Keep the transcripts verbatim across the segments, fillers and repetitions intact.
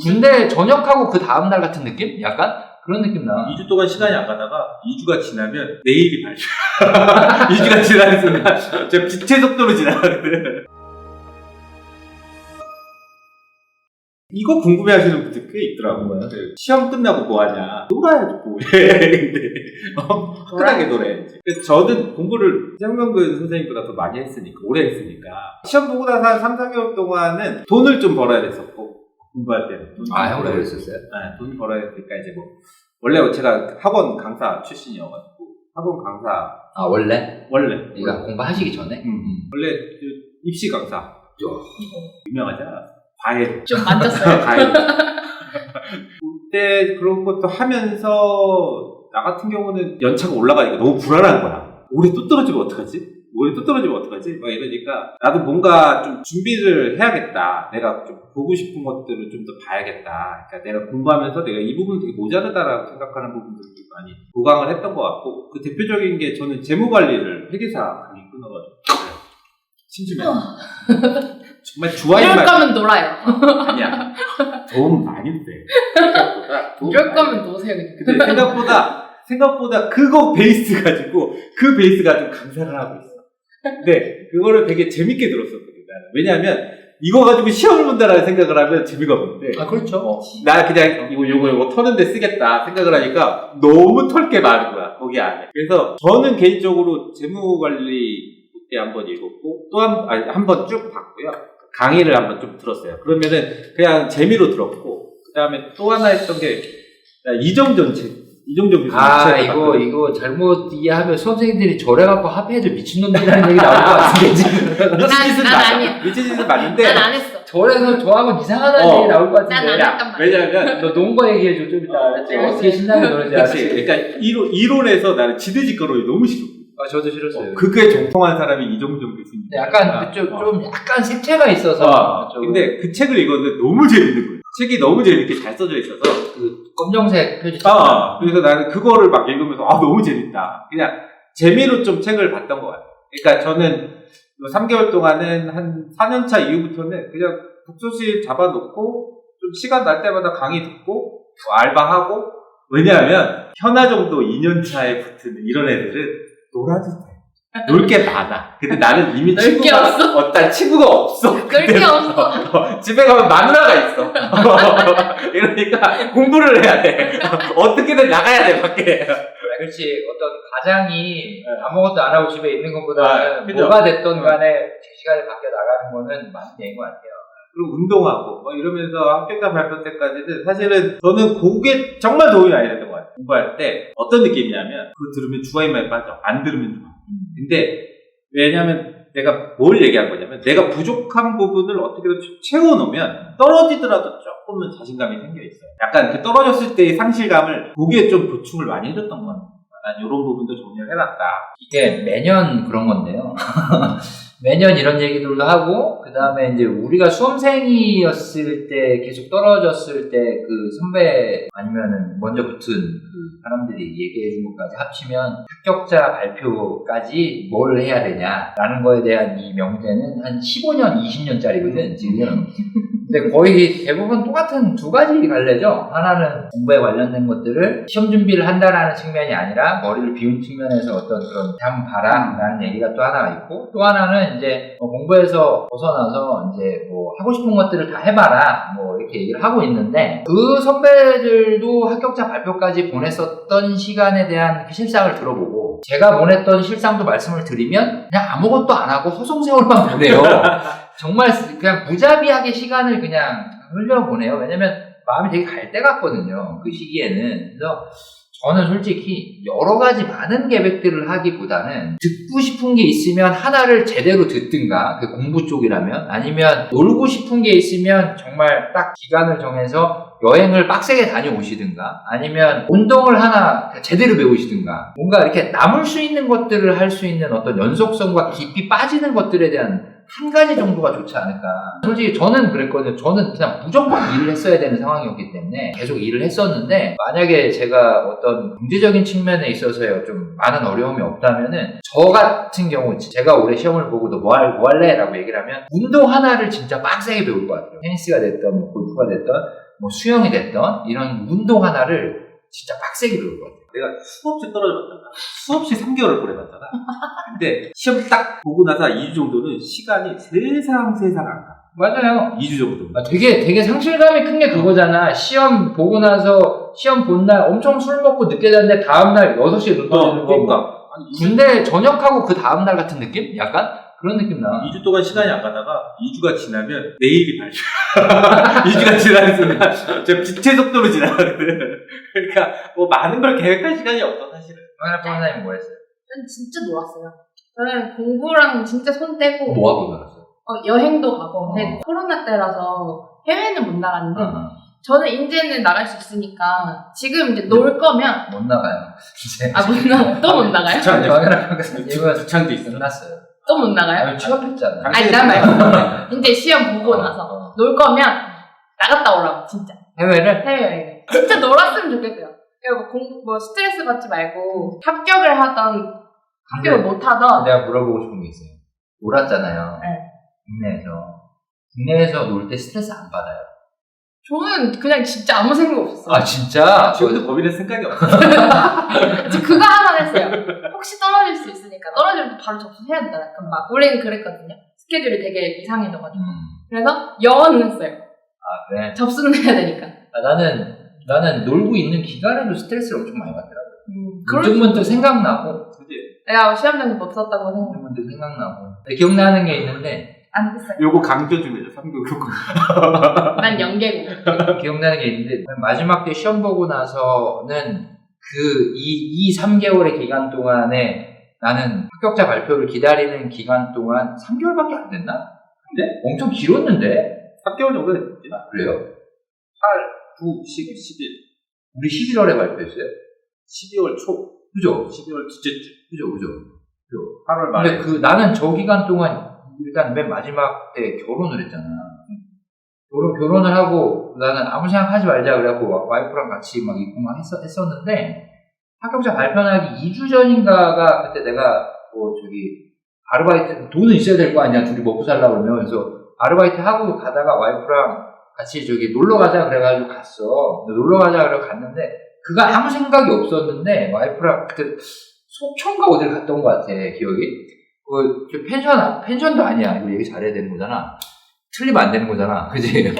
군대 전역하고 그 다음날 같은 느낌? 약간? 그런 느낌 나. 이 주 동안 시간이 안 가다가 이 주가 지나면 내일이 발표. 이 주가 지나는 순간 제가 빛의 속도로 지나가거든. 이거 궁금해하시는 분들 꽤 있더라고요. 시험 끝나고 뭐 하냐? 놀아야지 뭐해. 근데 어, 편하게 놀아야지. 저는 공부를 생명근 선생님보다 더 많이 했으니까, 오래 했으니까 시험 보고 나서 한 삼, 사 개월 동안은 돈을 좀 벌어야 됐었고, 공부할 때는. 아, 형도 그랬었어요? 네, 돈 벌어야 되니까 이제 뭐 원래 제가 학원 강사 출신이어가지고 학원 강사. 아, 원래? 원래. 네가 공부하시기 전에? 음. 원래 입시 강사. 유명하지 않았어? 과외. 좀 만졌어요. 과외. 그때 그런 것도 하면서 나 같은 경우는 연차가 올라가니까 너무 불안한 거야. 올해 또 떨어지면 어떡하지? 올해 또 떨어지면 어떡하지? 막 이러니까 나도 뭔가 좀 준비를 해야겠다. 내가 좀 보고 싶은 것들을 좀 더 봐야겠다. 그러니까 내가 공부하면서 내가 이 부분 되게 모자르다라고 생각하는 부분들을 많이 보강을 했던 것 같고, 그 대표적인 게 저는 재무관리를 회계사 강의 끊어가지고 심지어 정말 좋아하는 이럴 거면 놀아요. 아니야. 도움 많이 돼. 이럴 거면 노세요. 근데 생각보다 생각보다 그거 베이스 가지고 그 베이스 가지고 강사를 하고 있어. 근데 그거를 되게 재밌게 들었었거든. 나는. 왜냐하면 이거 가지고 시험을 본다라는 생각을 하면 재미가 없는데. 아, 그렇죠. 어, 나 그냥 이거 요거 요거 터는데 쓰겠다 생각을 하니까 너무 털 게 많은 거야 거기 안에. 그래서 저는 개인적으로 재무관리 그때 한번 읽었고 또 한 아니 한 번 쭉 봤고요. 강의를 한번 좀 들었어요. 그러면은 그냥 재미로 들었고, 그 다음에 또 하나 했던 게 이정전 책, 이정전 교수님 아, 책을 이거 봤거든요. 이거 잘못 이해하면 수험생들이 저래갖고 합해들 미친놈들이라는 얘기 나올 것 같은데 지금. 미친 짓은 난 맞아. 아니야. 미친 짓은 맞는데. 난 안 했어. 저래서 저하고 이상하다는 어. 얘기 나올 것 같은데. 난 안 했단 말이야. 왜냐면 너 논 거 얘기해줘 좀 이따. 알았지? 어, 어떻게 신나게 노는지 그치. 알았지? 그러니까 이론, 이론에서 나는 지대직거론이 너무 싫어. 아, 저도 싫었어요. 어, 그게 정통한 사람이 이정전 교수님. 근데 약간 좀, 어. 좀 약간 색채가 있어서. 어, 좀 근데 그 책을 읽었는데 너무 재밌는 거예요. 책이 너무 재밌게 잘 써져 있어서. 그 검정색 표지. 아, 그래서 나는 그거를 막 읽으면서 아 너무 재밌다. 그냥 재미로 좀 책을 봤던 것 같아요. 그러니까 저는 삼 개월 동안은 한 사 년 차 이후부터는 그냥 독서실 잡아놓고 좀 시간 날 때마다 강의 듣고 뭐 알바하고. 왜냐하면 현아 정도 이 년 차에 붙은 이런 애들은 놀아도 돼. 놀 게 많아. 근데 나는 이미 놀 게 친구가 없어? 어, 난 친구가 없어. 놀 게 없어. 어, 집에 가면 마누라가 있어. 이러니까 공부를 해야 돼. 어떻게든 나가야 돼 밖에. 아, 그렇지. 어떤 가장이 아무것도 안 하고 집에 있는 것보다는 아, 그죠? 뭐가 됐던 간에 제 시간에 밖에 나가는 거는 맞는 얘기인 것 같아요. 그리고 운동하고 뭐 이러면서 합격자 발표 때까지는 사실은 저는 그게 정말 도움이 많이 됐던 것 같아요. 공부할 때 어떤 느낌이냐면 그거 들으면 주화인마에 빠져. 안 들으면 좋아. 근데 왜냐면 내가 뭘 얘기한 거냐면 내가 부족한 부분을 어떻게든 채워놓으면 떨어지더라도 조금은 자신감이 생겨 있어요. 약간 그 떨어졌을 때의 상실감을 거기에 좀 보충을 많이 해줬던 것 같아요. 난 이런 부분도 정리를 해놨다. 이게 매년 그런 건데요. 매년 이런 얘기들도 하고, 그 다음에 이제 우리가 수험생이었을 때 계속 떨어졌을 때 그 선배 아니면은 먼저 붙은 그 사람들이 얘기해 준 것까지 합치면 합격자 발표까지 뭘 해야 되냐라는 거에 대한 이 명제는 한 십오 년, 이십 년짜리거든, 지금. 근데 거의 대부분 똑같은 두 가지 갈래죠. 하나는 공부에 관련된 것들을 시험 준비를 한다라는 측면이 아니라 머리를 비운 측면에서 어떤 그런 한번 봐라 라는 얘기가 또 하나가 있고, 또 하나는 이제 뭐 공부에서 벗어나서 이제 뭐 하고 싶은 것들을 다 해봐라 뭐 이렇게 얘기를 하고 있는데, 그 선배들도 합격자 발표까지 보냈었던 시간에 대한 그 실상을 들어보고 제가 보냈던 실상도 말씀을 드리면 그냥 아무것도 안 하고 허송세월만 보내요. 정말 그냥 무자비하게 시간을 그냥 흘려보내요. 왜냐면 마음이 되게 갈 때 같거든요, 그 시기에는. 그래서 저는 솔직히 여러 가지 많은 계획들을 하기보다는 듣고 싶은 게 있으면 하나를 제대로 듣든가, 그 공부 쪽이라면, 아니면 놀고 싶은 게 있으면 정말 딱 기간을 정해서 여행을 빡세게 다녀오시든가, 아니면 운동을 하나 제대로 배우시든가, 뭔가 이렇게 남을 수 있는 것들을 할 수 있는 어떤 연속성과 깊이 빠지는 것들에 대한 한 가지 정도가 좋지 않을까. 솔직히 저는 그랬거든요. 저는 그냥 무조건 일을 했어야 되는 상황이었기 때문에 계속 일을 했었는데, 만약에 제가 어떤 경제적인 측면에 있어서요 좀 많은 어려움이 없다면은, 저 같은 경우 제가 올해 시험을 보고도 뭐, 할, 뭐 할래? 라고 얘기를 하면 운동 하나를 진짜 빡세게 배울 것 같아요. 테니스가 됐던 뭐 골프가 됐던 뭐 수영이 됐던 이런 운동 하나를 진짜 빡세게 배울 것 같아요. 내가 수없이 떨어져봤잖아. 수없이 삼 개월을 보내봤잖아. 근데 시험 딱 보고 나서 이 주 정도는 시간이 세상 세상 안 가. 맞아요. 이 주 정도. 아, 되게 되게 상실감이 큰 게 그거잖아. 시험 보고 나서 시험 본 날 엄청 술 먹고 늦게 잤는데 다음날 여섯 시에 눈 떠지는 거. 그러니까. 아니, 군대 전역하고 그 다음날 같은 느낌? 약간? 그런 느낌 나. 이 주 동안 시간이 안 가다가 이 주가 지나면 내일이 발표야. 이 주가 지나는 순간 저 빛의 속도로 지나가거든. 그러니까 뭐 많은 걸 계획할 시간이 없어 사실은. 황현아 선생님 뭐 했어요? 전 진짜 놀았어요. 저는 공부랑 진짜 손 떼고 뭐 하고 놀았어요? 어, 여행도 가고. 근데 어. 코로나 때라서 해외는 못 나갔는데 어, 저는 이제는 나갈 수 있으니까 지금 이제 놀 거면 못 나가요. 이제. 아 못 나가 또 못 나가요? 귀찮- 황현아 선생님은 주창도 있어. 끝났어요. 또 못 나가요? 아니 취업했잖아. 아니 난 말고 이제 시험 보고 어, 나서 어. 놀 거면 나갔다 오라고 진짜 해외를? 해외여행 진짜 놀았으면 좋겠어요. 그리고 뭐, 공, 뭐 스트레스 받지 말고 합격을 하던 합격을 근데 못 하던 내가 물어보고 싶은 게 있어요. 놀았잖아요. 네. 국내에서. 국내에서 놀 때 스트레스 안 받아요. 저는 그냥 진짜 아무 생각 없었어요. 아 진짜? 지금도 법인의 생각이 없어. 이제 그거 하나만 했어요. 혹시 떨어질 수 있으니까 떨어지면 바로 접수해야 된다. 약간 막 우리는 그랬거든요. 스케줄이 되게 이상해져가지고. 음. 그래서 영어는 했어요. 아 그래? 접수는 해야 되니까. 아, 나는 나는 놀고 있는 기간에도 스트레스를 엄청 많이 받더라고. 음, 그럴 문득 문득 생각나고 그지? 내가 시험장에서 못 썼다고 생각 문득 문득 생각나고. 근데 기억나는 게 있는데 안 됐어요. 요거 강조 좀 해줘. 삼 교육 요거. 난 연계고. 기억나는 게 있는데 마지막 때 시험 보고 나서는 그 이 삼 개월의 기간 동안에 나는 합격자 발표를 기다리는 기간 동안 삼 개월밖에 안 됐나? 근데 엄청 길었는데? 삼 개월 정도 됐지. 아, 그래요? 팔, 구, 십, 십일. 우리 십일월에 발표했어요. 십이월 초. 그죠? 십이월 둘째 주. 그죠, 그죠. 팔월 말에. 근데 그 나는 저 기간 동안 일단 맨 마지막 때 결혼을 했잖아. 결혼, 결혼을 하고 나는 아무 생각하지 말자 그래갖고 와- 와이프랑 같이 막 있고 막 했었, 했었는데 합격자 발표하기 이 주 전인가가 그때 내가 뭐 저기 아르바이트 돈은 있어야 될 거 아니야 둘이 먹고 살라 그러면 그래서 아르바이트 하고 가다가 와이프랑 같이 저기 놀러 가자 그래가지고 갔어. 놀러 가자 그래 갔는데 그가 아무 생각이 없었는데 와이프랑 그때 속초인가 어딜 갔던 것 같아 기억이. 그, 저 펜션, 아- 펜션도 아니야. 이거 얘기 잘해야 되는 거잖아. 틀리면 안 되는 거잖아. 그지?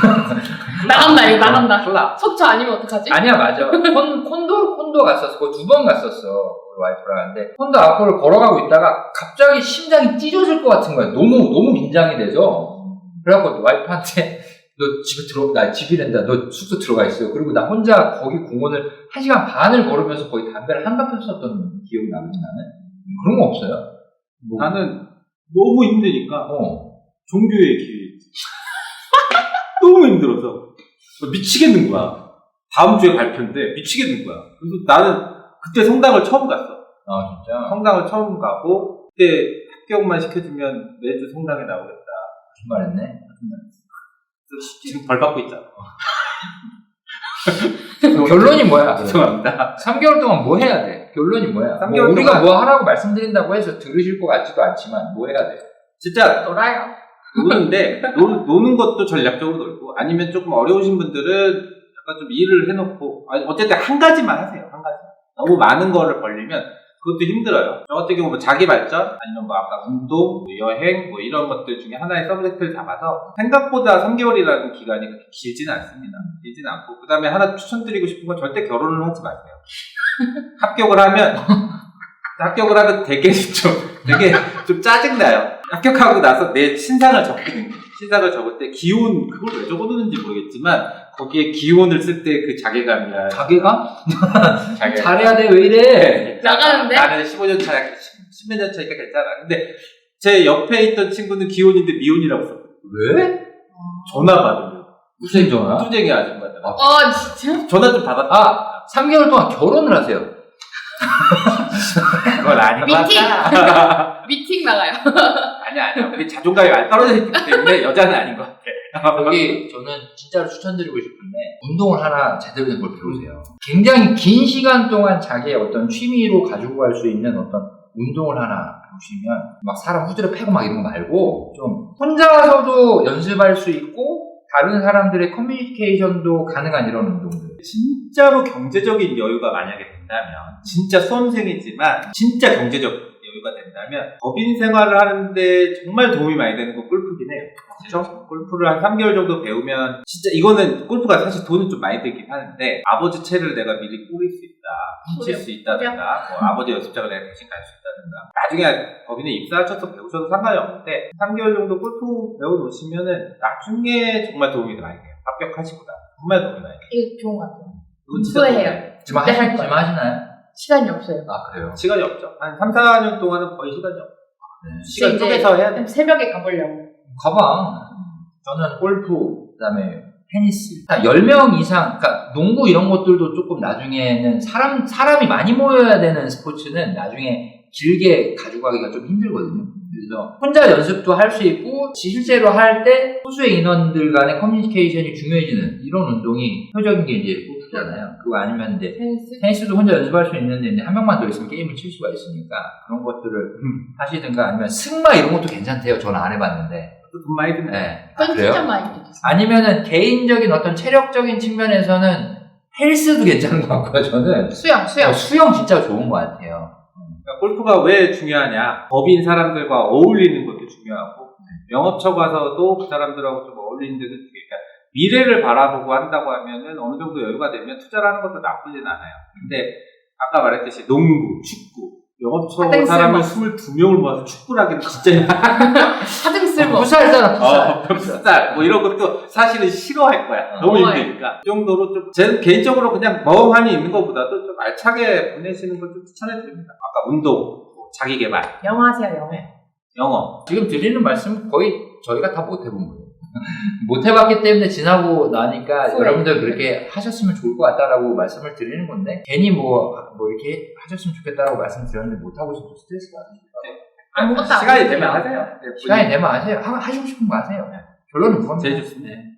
나간다, 이거 나간다. 쏟아. 속초 아니면 어떡하지? 아니야, 맞아. 콘, 콘도, 콘도 갔었어. 두 번 갔었어. 우리 와이프랑. 근데 콘도 앞으로 걸어가고 있다가 갑자기 심장이 찢어질 것 같은 거야. 너무, 너무 긴장이 돼서. 그래갖고 와이프한테 너 집에 들어, 나 집이란다. 너 숙소 들어가 있어. 그리고 나 혼자 거기 공원을 한 시간 반을 걸으면서 거의 담배를 한갑 폈었던 기억이 나거든, 나는. 그런 거 없어요? 뭐, 나는 너무 힘드니까 어. 종교의 기회였지. 너무 힘들어서 미치겠는 거야. 다음 주에 발표인데 미치겠는 거야. 그래서 나는 그때 성당을 처음 갔어. 아, 진짜? 성당을 처음 가고 그때 합격만 시켜주면 매주 성당에 나오겠다. 거짓말했네? 그래서 지금 벌 받고 있잖아. 결론이 뭐야? 죄송합니다. 삼 개월 동안 뭐 해야 돼? 결론이 뭐야? 삼 뭐 개월 우리가 동안- 뭐 하라고 말씀드린다고 해서 들으실 것 같지도 않지만 뭐 해야 돼? 진짜 놀아요. 노는데 노, 노는 것도 전략적으로 놀고 아니면 조금 어려우신 분들은 약간 좀 일을 해놓고 아니, 어쨌든 한 가지만 하세요. 한 가지. 너무 많은 거를 벌리면 그것도 힘들어요. 저 같은 경우 뭐 자기 발전 아니면 뭐 아까 운동, 뭐 여행 뭐 이런 것들 중에 하나의 서브젝트를 잡아서 생각보다 삼 개월이라는 기간이 그렇게 길지는 않습니다. 길지는 않고 그 다음에 하나 추천드리고 싶은 건 절대 결혼을 하지 마세요. 합격을 하면 합격을 하면 되게 좀 되게 좀 짜증나요. 합격하고 나서 내 신상을 적거든요. 신상을 적을 때 기혼 그걸 왜 적어두는지 모르겠지만 거기에 기혼을 쓸 때 그 자괴감이나 자괴감? 자괴감. 잘해야 돼, 왜 이래? 나가는데? 나는 십오 년 차, 십몇 년 차니까 괜찮아. 근데 제 옆에 있던 친구는 기혼인데 미혼이라고 썼거든. 왜? 전화 받으면. 무슨 전화? 투쟁이 아줌마들. 아, 어, 진짜? 전화 좀 받았다. 아, 삼 개월 동안 결혼을 하세요. 그건 아닌 것 미팅! 같다. 미팅 나가요. 아니야, 아니야. 우리 자존감이 많이 떨어져 있기 때문에 여자는 아닌 것 같아. 여기 저는 진짜로 추천드리고 싶은데 운동을 하나 제대로 된 걸 배우세요. 굉장히 긴 시간 동안 자기의 어떤 취미로 가지고 갈 수 있는 어떤 운동을 하나 배우시면 막 사람 후드려 패고 막 이런 거 말고 좀 혼자서도 연습할 수 있고 다른 사람들의 커뮤니케이션도 가능한 이런 운동들. 진짜로 경제적인 여유가 만약에 된다면, 진짜 수험생이지만 진짜 경제적 여유가 된다면 법인 생활을 하는데 정말 도움이 많이 되는 건 골프긴 해요. 그렇죠? 골프를 한 삼 개월 정도 배우면 진짜 이거는 골프가 사실 돈은 좀 많이 들긴 하는데 아버지 채를 내가 미리 꾸릴 수 있다, 훔칠 수 있다든가 뭐 아버지 연습장을 내가 대신 갈 수 있다든가 나중에 법인에 입사하셔서 배우셔도 상관이 없는데 삼 개월 정도 골프 배워놓으시면은 나중에 정말 도움이 많이 돼요. 합격하시고나 정말 도움이 많이 돼요. 이거 좋은 것 같아요. 그건 진짜 후회해요. 도움이 돼요. 지금, 네, 하시, 할 지금 거예요. 하시나요? 시간이 없어요. 아, 그래요? 시간이 없죠. 한 삼, 사 년 동안은 거의 시간이 없죠. 네. 시간 이제 쪼개서 해야 돼. 새벽에 가보려고. 가방. 저는 골프, 그 다음에 테니스. 한 열 명 이상, 그러니까 농구 이런 것들도 조금 나중에는 사람, 사람이 많이 모여야 되는 스포츠는 나중에 길게 가져가기가 좀 힘들거든요. 그래서 혼자 연습도 할 수 있고, 실제로 할 때 소수의 인원들 간의 커뮤니케이션이 중요해지는 이런 운동이 표적인 게 이제 골프잖아요. 그거 아니면 이제 테니스? 테니스도 혼자 연습할 수 있는데 이제 한 명만 더 있으면 게임을 칠 수가 있으니까 그런 것들을 하시든가 아니면 승마 이런 것도 괜찮대요. 저는 안 해봤는데. 돈 많이 드네. 네. 그건 아, 그래요? 진짜 많이 들었어요. 아니면은 개인적인 어떤 체력적인 측면에서는 헬스도 괜찮은 것 같고요. 저는 수영, 수영. 어, 수영 진짜 좋은 것 같아요. 그러니까 골프가 왜 중요하냐? 법인 사람들과 어울리는 것도 중요하고 영업처 가서도 그 사람들하고 좀 어울리는 데도 중요해요. 그러니까 미래를 바라보고 한다고 하면은 어느 정도 여유가 되면 투자를 하는 것도 나쁘진 않아요. 근데 아까 말했듯이 농구, 축구, 영업처 하등 사람을 쓸모. 스물두 명을 모아서 축구를 하기는 진짜 힘들어요. 하등 쓸모. 풋살잖아, 풋살. 어, 풋살 뭐 이런 것도 사실은 싫어할 거야. 어. 너무 힘드니까. 그 정도로 좀, 제 개인적으로 그냥 멍하니 있는 것보다도 좀 알차게 보내시는 걸 좀 추천해 드립니다. 아까 운동, 뭐 자기 개발, 영어 하세요, 영어. 영어. 지금 드리는 말씀 거의 저희가 다 못 해본 거예요. 못 해봤기 때문에 지나고 나니까 후회. 여러분들 그렇게 하셨으면 좋을 것 같다라고 말씀을 드리는 건데 괜히 뭐, 뭐 이렇게 하셨으면 좋겠다라고 말씀드렸는데 못하고 있으면 스트레스 받으실까 아무것도 안 시간이 해요. 되면 하세요. 네, 시간이 되면 하세요. 하, 하시고 싶은 거 하세요. 결론은 그겁니다. 제일 좋습니다. 네.